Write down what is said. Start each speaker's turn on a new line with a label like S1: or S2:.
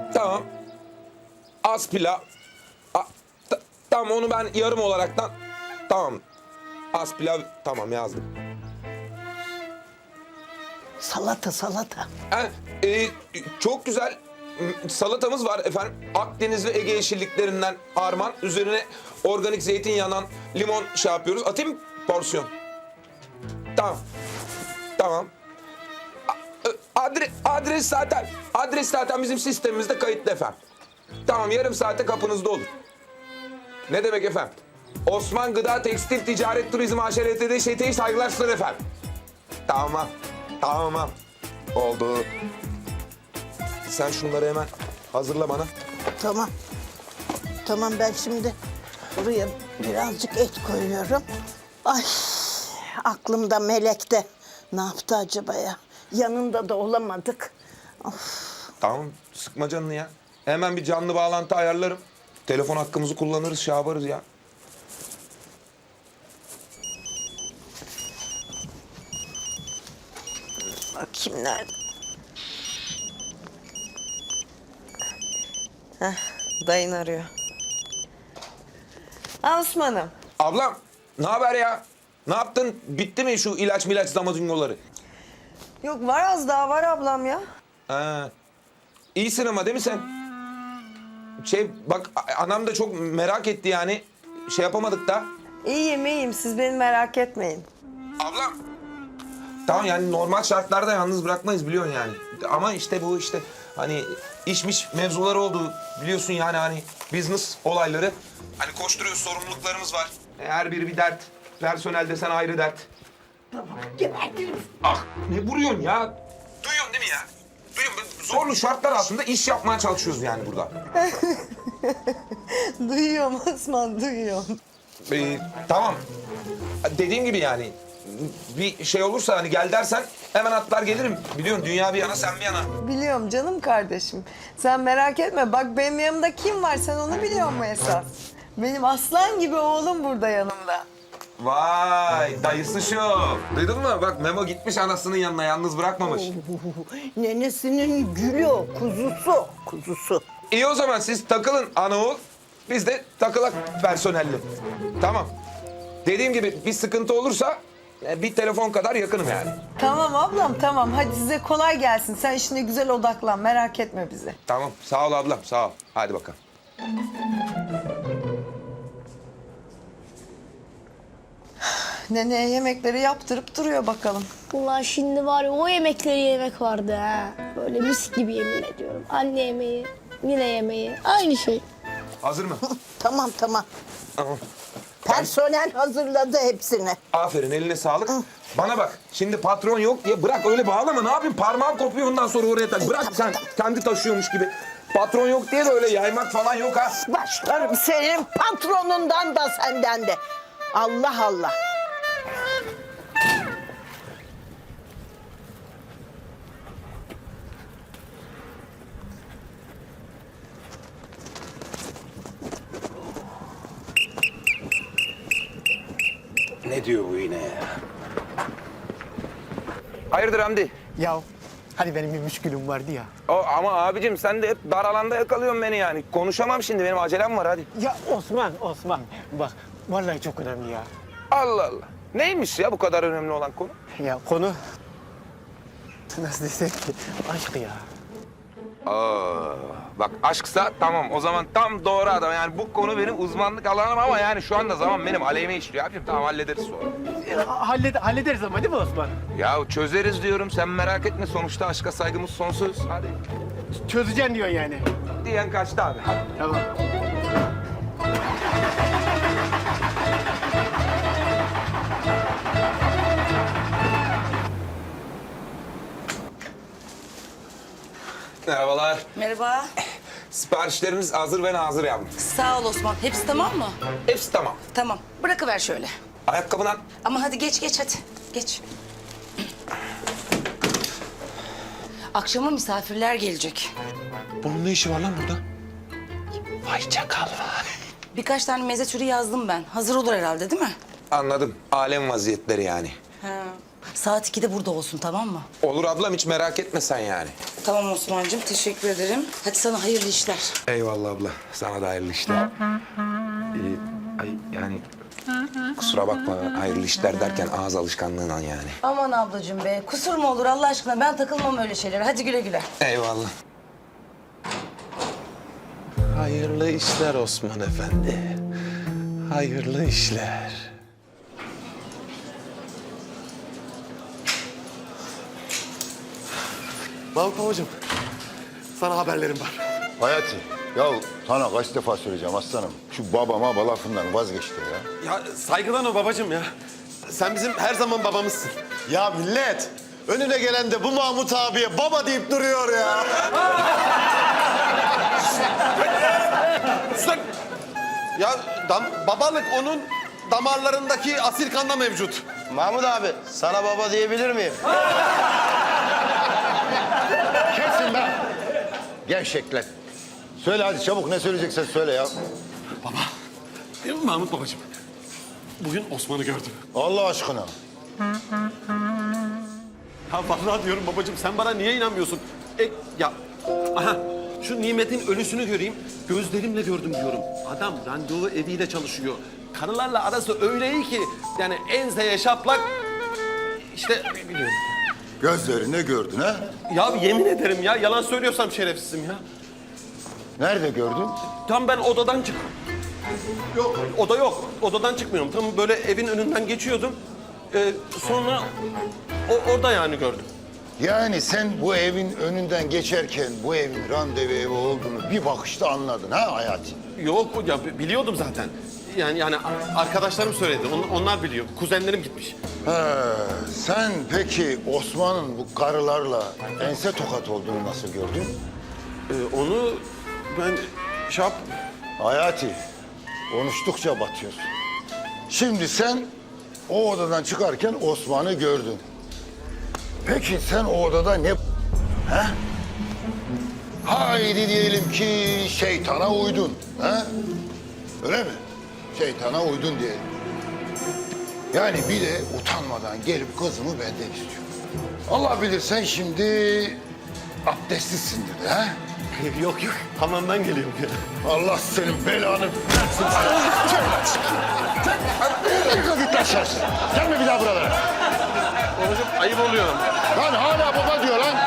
S1: Tamam. Az pilav. Tamam onu ben yarım olaraktan... Tamam. Az pilav tamam yazdım.
S2: Salata, salata.
S1: Çok güzel salatamız var efendim. Akdeniz ve Ege yeşilliklerinden armağan. Üzerine organik zeytinyağından limon şey yapıyoruz. Atayım mı porsiyon? Tamam. Tamam. Adres zaten bizim sistemimizde kayıtlı efendim. Tamam yarım saate kapınızda olur. Ne demek efendim? Osman Gıda Tekstil Ticaret Turizm AŞ LTD ŞT'yi saygılar sunar efendim. Tamam. Tamam. Oldu. Sen şunları hemen hazırla bana.
S2: Tamam. Tamam ben şimdi buraya birazcık et koyuyorum. Ay aklımda Melek'te. Ne yaptı acaba ya? Yanında da olamadık. Of.
S1: Tamam sıkma canını ya. Hemen bir canlı bağlantı ayarlarım. Telefon hakkımızı kullanırız, şey yaparız ya.
S2: Bakayım nerede? Heh, dayın arıyor. Osman'ım.
S1: Ablam ne haber ya? Ne yaptın? Bitti mi şu ilaç zamazingoları?
S3: Yok var az daha var ablam ya.
S1: Ha. İyisin ama değil mi sen? Bak anam da çok merak etti yani. Şey yapamadık da.
S3: İyiyim siz beni merak etmeyin.
S1: Ablam. Tamam yani normal şartlarda yalnız bırakmayız biliyorsun yani. Ama işte bu işte hani işmiş mevzuları oldu biliyorsun yani hani business olayları. Hani koşturuyoruz sorumluluklarımız var. Her biri bir dert. Personel desen ayrı dert.
S2: Tamam gebertiriz.
S1: Ah ne vuruyorsun ya? Duyuyorsun değil mi ya? Duyuyorum. Zorlu şartlar altında iş yapmaya çalışıyoruz yani burada.
S3: Duyuyorum Osman duyuyorum.
S1: Tamam. Dediğim gibi yani bir şey olursa hani gel dersen hemen atlar gelirim. Biliyorsun dünya bir yana sen bir yana.
S3: Biliyorum canım kardeşim. Sen merak etme bak benim yanımda kim var sen onu biliyor musun esas? Benim aslan gibi oğlum burada yanımda.
S1: Vay dayısı şu. Duydun mu? Bak Memo gitmiş anasının yanına yalnız bırakmamış.
S2: Nenesinin gülü o, kuzusu. Kuzusu.
S1: İyi o zaman siz takılın ana oğul. Biz de takılak personelli. Tamam. Dediğim gibi bir sıkıntı olursa bir telefon kadar yakınım yani.
S3: Tamam ablam tamam hadi size kolay gelsin. Sen işine güzel odaklan merak etme bizi.
S1: Tamam sağ ol ablam sağ ol. Hadi bakalım.
S3: Neneye yemekleri yaptırıp duruyor bakalım.
S4: Vallahi şimdi var ya o yemekleri yemek vardı ha. Böyle mis gibi yemin ediyorum. Anne yemeği, yine yemeği. Aynı şey.
S1: Hazır mı?
S2: Tamam tamam.
S1: Tamam.
S2: Personel hazırladı hepsini.
S1: Aferin eline sağlık. Bana bak şimdi patron yok diye bırak öyle bağlama ne yapayım parmağım kopuyor ondan sonra oraya tak. Bırak sen kendi taşıyormuş gibi. Patron yok diye de öyle yaymak falan yok ha.
S2: Başlarım senin patronundan da senden de. Allah Allah.
S1: Ne diyor bu yine ya? Hayırdır Hamdi?
S5: Ya hani benim bir müşkülüm vardı ya.
S1: Ama abicim sen de hep dar alanda yakalıyorsun beni yani. Konuşamam şimdi benim acelem var hadi.
S5: Ya Osman bak vallahi çok önemli ya.
S1: Allah Allah. Neymiş ya bu kadar önemli olan konu?
S5: Ya konu nasıl desek ki aşk ya.
S1: Bak aşksa tamam o zaman tam doğru adam. Yani bu konu benim uzmanlık alanım ama yani şu anda zaman benim aleyhime işliyor abicim. Tamam hallederiz sonra.
S5: Hallederiz ama değil mi Osman?
S1: Ya çözeriz diyorum sen merak etme sonuçta aşka saygımız sonsuz. Hadi.
S5: Çözeceksin diyorsun yani.
S1: Diyen kaçtı abi hadi.
S5: Tamam.
S1: Merhabalar.
S6: Merhaba.
S1: Siparişleriniz hazır ve nazır yavrum.
S6: Sağ ol Osman. Hepsi tamam mı?
S1: Hepsi tamam.
S6: Tamam. Bırakıver şöyle.
S1: Ayakkabıdan
S6: Ama hadi geç hadi. Geç. Akşama misafirler gelecek.
S1: bunun ne işi var lan burada?
S5: Vay çakal vay.
S6: Birkaç tane meze türü yazdım ben. Hazır olur herhalde değil mi?
S1: Anladım. Alem vaziyetleri yani.
S6: Ha. Saat 2'de burada olsun, tamam mı?
S1: Olur ablam, hiç merak etme sen yani.
S6: Tamam Osman'cığım, teşekkür ederim. Hadi sana hayırlı işler.
S1: Eyvallah abla. Sana da hayırlı işler. Ay yani kusura bakma, hayırlı işler derken ağız alışkanlığından yani.
S6: Aman ablacığım be, kusur mu olur Allah aşkına? Ben takılmam öyle şeylere. Hadi güle güle.
S1: Eyvallah.
S5: Hayırlı işler Osman Efendi. Hayırlı işler. Mahmut babacığım, sana haberlerim var.
S7: Hayati, ya sana kaç defa söyleyeceğim aslanım. Şu babama lafından vazgeçti ya.
S5: Ya saygıdan o babacığım ya. Sen bizim her zaman babamızsın. Ya millet, önüne gelen de bu Mahmut abiye baba deyip duruyor ya. Sus! Ya babalık onun damarlarındaki asil kanda mevcut.
S8: Mahmut abi, sana baba diyebilir miyim?
S7: Kesin be! Gevşekler. Söyle hadi çabuk, ne söyleyeceksen söyle ya.
S5: Değil mi Mahmut babacığım? Bugün Osman'ı gördüm.
S7: Allah aşkına.
S5: Ya vallahi diyorum babacığım, sen bana niye inanmıyorsun? Ya aha, şu Nimet'in ölüsünü göreyim, gözlerimle gördüm diyorum. Adam randevu eviyle çalışıyor. Karılarla arası öyle iyi ki yani enseye şaplak, işte biliyorum.
S7: Gözlerine gördün ha?
S5: Ya yemin ederim ya, yalan söylüyorsam şerefsizim ya.
S7: Nerede gördün?
S5: Tam ben odadan çık. Yok, oda yok. Odadan çıkmıyorum. Tam böyle evin önünden geçiyordum. Sonra orada yani gördüm.
S7: Yani sen bu evin önünden geçerken bu evin randevu evi olduğunu bir bakışta anladın ha Hayati?
S5: Yok ya, biliyordum zaten. Yani arkadaşlarım söyledi. Onlar biliyor. Kuzenlerim gitmiş.
S7: Sen peki Osman'ın bu karılarla ense tokat olduğunu nasıl gördün?
S5: Onu ben
S7: Hayati, konuştukça batıyorsun. Şimdi sen o odadan çıkarken Osman'ı gördün. Peki sen o odada ne... He? Haydi diyelim ki şeytana uydun. He? Öyle mi? Şeytana uydun diyelim. Yani bir de utanmadan gelip kızımı benden istiyor. Allah bilir sen şimdi abdestsizsindir de ha?
S5: yok hamamdan geliyorum ya.
S7: Allah senin belanı versin. Git lan şerefsiz. Gelme bir daha buralara.
S5: Babacığım ayıp oluyor.
S7: Lan hala baba diyor lan.